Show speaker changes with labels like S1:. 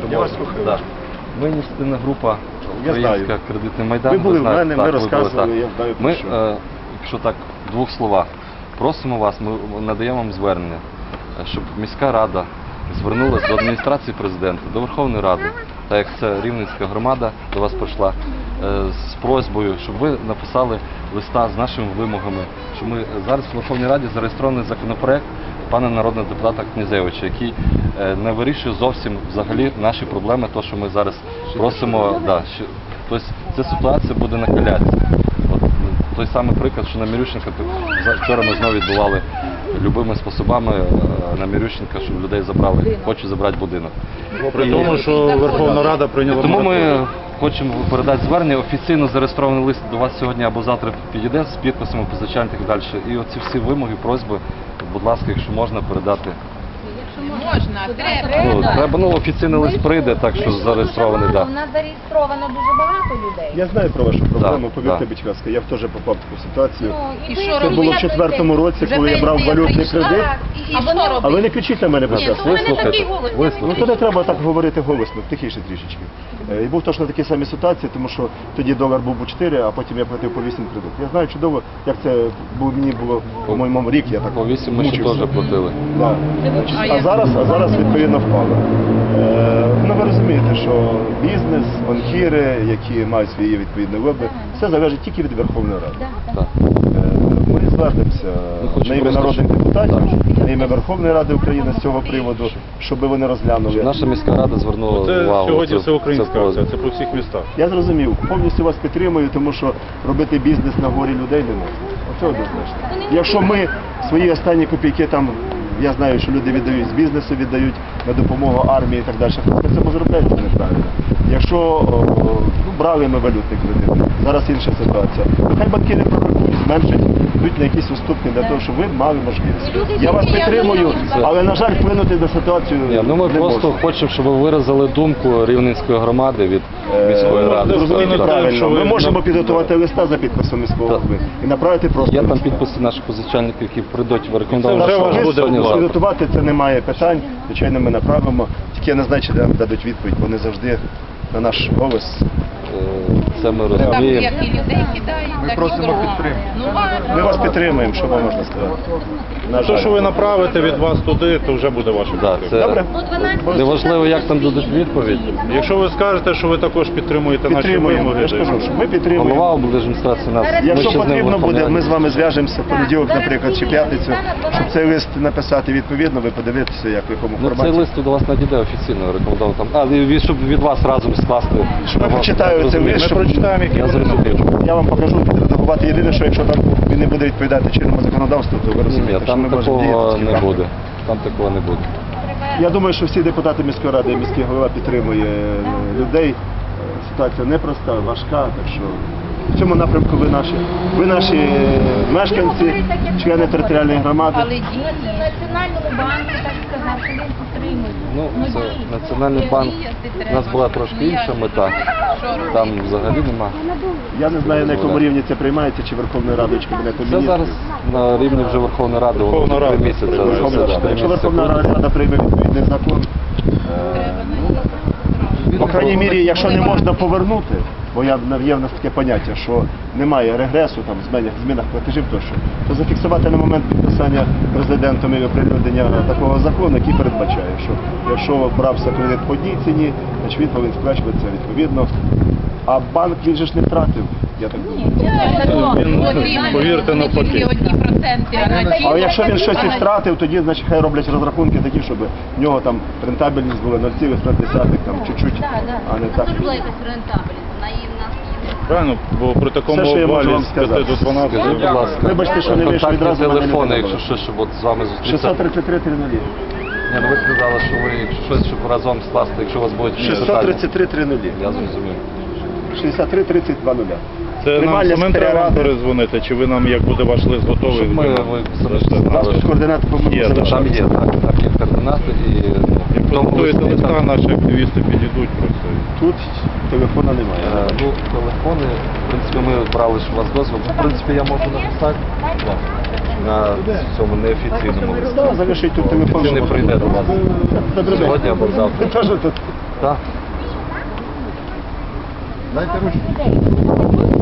S1: Я вас слухаю.
S2: Да. Ми ініціативна група
S1: Я знаю.
S2: Українська кредитний майдан.
S1: Ви були в
S2: знаєте,
S1: мене,
S2: так,
S1: ми
S2: ви були,
S1: розказували,
S2: так.
S1: я знаю про
S2: Ми,
S1: що.
S2: якщо так, в двох словах, просимо вас, ми надаємо вам звернення, щоб міська рада звернулася до адміністрації президента, до Верховної Ради, так як це Рівненська громада до вас прийшла, з просьбою, щоб ви написали листа з нашими вимогами, що ми зараз в Верховній Раді зареєстрований законопроект пана народного депутата Князевича, який не вирішує зовсім взагалі наші проблеми, то, що ми зараз просимо. Да, тобто ця ситуація буде накалятися. Той самий приклад, що на Мірющенка, вчора ми знову відбували любими способами на Мірющенка, щоб людей забрали, хочуть забрати будинок.
S3: При тому, що Верховна Рада прийняла
S2: Тому
S3: мораторій.
S2: ми хочемо передати звернення, офіційно зареєстрований лист до вас сьогодні або завтра підійде з підписами позичальних і так далі. І оці всі вимоги, просьби, будь ласка, якщо можна, передати.
S4: Можна, треба.
S2: Треба, офіційний лист прийде, так що зареєстрований, так.
S5: У нас зареєстровано дуже багато людей.
S1: Я знаю про вашу проблему,
S2: Да,
S1: повірте,
S2: да.
S1: будь ласка, я теж попав в таку ситуацію.
S4: І
S5: ви
S4: що
S1: Це
S4: робити?
S1: було в 2004 році, коли я брав валютний кредит.
S4: І що робити?
S1: А ви не кричіть на мене, будь
S4: Ні,
S1: ласка.
S4: ну, у мене такий голос.
S1: Ну то не треба так говорити голосно, тихіше трішечки. І був точно такі самі ситуації, тому що тоді долар був по 4, а потім я платив по 8 кредит. Я знаю чудово, як це мені було, по-моєму, рік, я так
S2: По 8 ми ще
S1: мучився.
S2: теж платили.
S1: Да. А зараз відповідно впало. Ну ви розумієте, що бізнес, банкіри, які мають свої відповідні лоби, все залежить тільки від Верховної Ради.
S2: Так.
S1: Ми звернемося
S2: хочемо
S1: на ім'я
S2: просто,
S1: народних
S2: щоб-
S1: депутатів,
S2: Так.
S1: на ім'я Верховної Ради України з цього приводу, щоб вони розглянули.
S2: Наша міська рада звернула
S3: Це
S2: увагу.
S3: сьогодні
S2: цю-
S3: всеукраїнська
S2: цю
S3: акція, це по всіх містах.
S1: Я зрозумів, повністю вас підтримую, тому що робити бізнес на горі людей не можна. Оце однозначно. Якщо ми свої останні копійки там, я знаю, що люди віддають з бізнесу, віддають на допомогу армії і так далі, то при цьому заробляють, це неправильно. Якщо брали ми валютний кредит, зараз інша ситуація. Хай банкіри прорахують, зменшать, йдуть на якісь уступки для того, щоб ви мали можливість. Я вас підтримую, але, на жаль, вплинути на ситуацію
S2: Ні, ну ми
S1: не
S2: просто
S1: можна.
S2: хочемо, щоб ви виразили думку Рівненської громади від міської ради.
S1: Зрозумійте
S3: Так.
S1: правильно,
S3: Що
S1: ми
S3: ви-
S1: можемо підготувати листа за підписом міського
S2: Так.
S1: голови і направити просто.
S2: Є там
S1: листа.
S2: підписи наших позичальників, які прийдуть в рекомендовані.
S3: Це вже
S1: Так,
S3: ваш
S1: що
S3: буде
S1: ви
S3: вклад.
S1: підготувати, це немає питань. Звичайно, ми направимо. Тільки я не знаю, чи нам дадуть відповідь. Вони завжди на наш голос.
S2: Це ми
S4: Там
S2: розуміємо.
S4: як і людей кидають, так і
S1: просимо
S4: кругом.
S1: підтримки.
S4: Ну, ладно.
S1: Ми вас підтримуємо, що вам можна сказати. На
S3: То,
S1: жаль.
S3: що ви направите від вас туди, то вже буде ваша
S2: Да,
S3: підтримка.
S1: Добре?
S2: це неважливо, як там дадуть відповідь.
S3: Якщо ви скажете, що ви також підтримуєте наші
S1: Підтримуємо.
S3: вимоги,
S1: Я ж кажу, що ми підтримуємо.
S2: Голова облдержадміністрації нас. ми
S1: Якщо
S2: ще з ним
S1: потрібно буде,
S2: виходимо.
S1: ми з вами зв'яжемося в понеділок, наприклад, чи п'ятницю, щоб цей лист написати відповідно, ви подивитеся, як в якому
S2: Ну, цей
S1: форматі.
S2: лист до вас надійде офіційно, рекомендовано там. Щоб від вас разом скласти.
S1: Щоб я прочитаю цей лист,
S3: ми
S1: щоб
S3: прочитаємо, які
S2: Я
S3: вони
S2: зрозумів.
S3: напишуть.
S1: я вам покажу, підредагувати. Єдине, що якщо там він не буде відповідати чинному законодавству, то ви
S2: Ні,
S1: розумієте, що
S2: там
S1: ми можемо
S2: такого
S1: діяти.
S2: не буде. Там такого не буде.
S1: Я думаю, що всі депутати міської ради і міський голова підтримує людей. Ситуація непроста, важка, так що в цьому напрямку ви наші мешканці, члени територіальної громади.
S4: Але діти.
S5: Національному банку так сказав, що він підтримує.
S2: Ну, це Національний банк. У нас була трошки інша мета. Там взагалі нема.
S1: Я не знаю, на якому рівні це приймається, чи Верховною Радою, чи Кабінетом
S2: Це
S1: міністрів.
S2: зараз на рівні вже Верховної Ради, воно
S3: Верховна
S2: вже 3
S3: Рада.
S2: місяці.
S1: Верховна
S2: це,
S1: Рада.
S2: три
S1: Якщо
S2: місяці
S1: Верховна
S2: буде.
S1: Рада прийме відповідний закон, по крайній мірі, якщо не можна повернути, бо є в нас таке поняття, що немає регресу, там, змінах платежів тощо, то зафіксувати на момент підписання президентом і оприлюднення такого закону, який передбачає, що якщо брався кредит по одній ціні, значить він повинен сплачуватися відповідно. А банк, він же ж не втратив, я так думаю.
S3: Він, повірте, навпаки.
S4: Тільки одні проценти, а на ті-
S1: Але якщо він щось і втратив, тоді значить хай роблять розрахунки такі, щоб в нього там рентабельність була 0,5, там чуть-чуть, а не так.
S5: Це була якась рентабельність, вона її в нас є.
S3: Правильно, бо при такому
S1: Все, що я можу
S3: обвалі
S1: вам
S3: з 5
S1: сказати.
S3: до 12.
S2: Скажіть, будь ласка,
S1: Вибачте, що не вийшло
S2: контактні
S1: відразу, мене не
S2: телефони,
S1: було.
S2: якщо щось, щоб от з вами зустрітися.
S1: 633 300.
S2: Ні, ну ви сказали, що ви якщо щось, щоб разом скласти, якщо у вас будуть якісь питання.
S1: 633 300.
S2: Я зрозумів.
S1: 63 30 20.
S3: Це нам
S1: Приймальня
S3: самим треба
S1: секретаря ради.
S3: перезвонити, чи ви нам, як буде ваш лист готовий?
S2: Щоб ми, ви самі ж сказали, що
S1: Координати по-моєму
S3: Є,
S1: залишаються.
S2: там є, так є координати і
S3: Як
S2: в тому
S3: підготуєте
S2: листі
S3: листа,
S2: там,
S3: наші активісти підійдуть просто.
S1: Тут телефона немає.
S2: ну, телефони, в принципі, ми брали, що у вас дозвіл. В принципі, я можу написати на цьому неофіційному листі.
S1: Залишить тут телефон.
S2: Чи не
S1: щоб-
S2: прийде до вас
S1: Добрий день.
S2: сьогодні або завтра?
S1: Кажу, тут
S2: Так.
S1: Дайте ручку.